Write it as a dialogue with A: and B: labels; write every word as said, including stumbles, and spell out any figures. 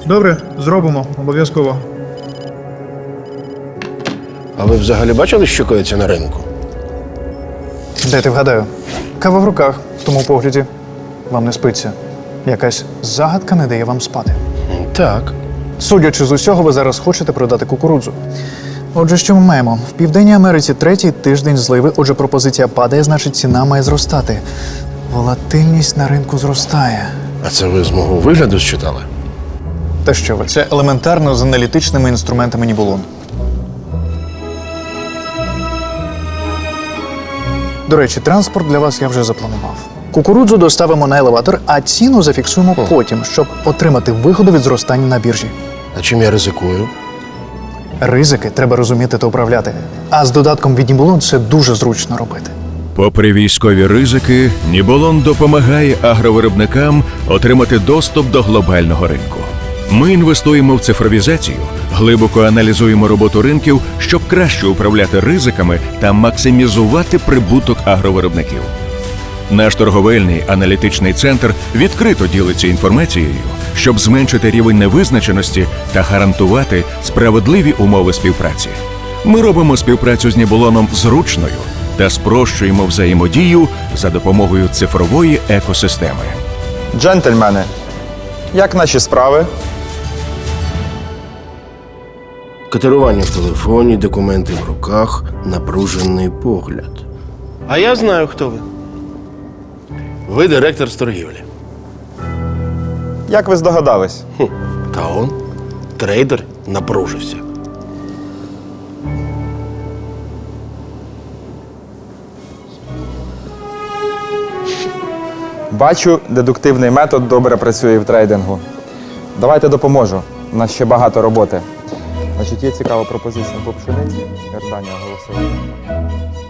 A: Добре, зробимо, обов'язково.
B: А ви взагалі бачили, що коїться на ринку?
A: Дайте вгадаю. Кава в руках, в тому погляді. Вам не спиться. Якась загадка не дає вам спати.
B: Так.
A: Судячи з усього, ви зараз хочете продати кукурудзу. Отже, що ми маємо? В Південній Америці третій тиждень зливи, отже, пропозиція падає, значить ціна має зростати. Волатильність на ринку зростає.
B: А це ви з мого вигляду считали?
A: Та що ви, це елементарно з аналітичними інструментами Нібулон. До речі, транспорт для вас я вже запланував. Кукурудзу доставимо на елеватор, а ціну зафіксуємо потім, щоб отримати вигоду від зростання на біржі.
B: А чим я ризикую?
A: Ризики треба розуміти та управляти. А з додатком від Нібулон це дуже зручно робити.
C: Попри військові ризики, Нібулон допомагає агровиробникам отримати доступ до глобального ринку. Ми інвестуємо в цифровізацію, глибоко аналізуємо роботу ринків, щоб краще управляти ризиками та максимізувати прибуток агровиробників. Наш торговельний аналітичний центр відкрито ділиться інформацією, щоб зменшити рівень невизначеності та гарантувати справедливі умови співпраці. Ми робимо співпрацю з Нібулоном зручною та спрощуємо взаємодію за допомогою цифрової екосистеми.
D: Джентльмени, як наші справи?
B: Катерування в телефоні, документи в руках, напружений погляд. А я знаю, хто ви. Ви директор з торгівлі.
D: Як ви здогадались?
B: Хм. Та он, трейдер, напружився.
D: Бачу, дедуктивний метод добре працює в трейдингу. Давайте допоможу. У нас ще багато роботи. Значить, є цікава пропозиція по пшениці. Ердані оголосили.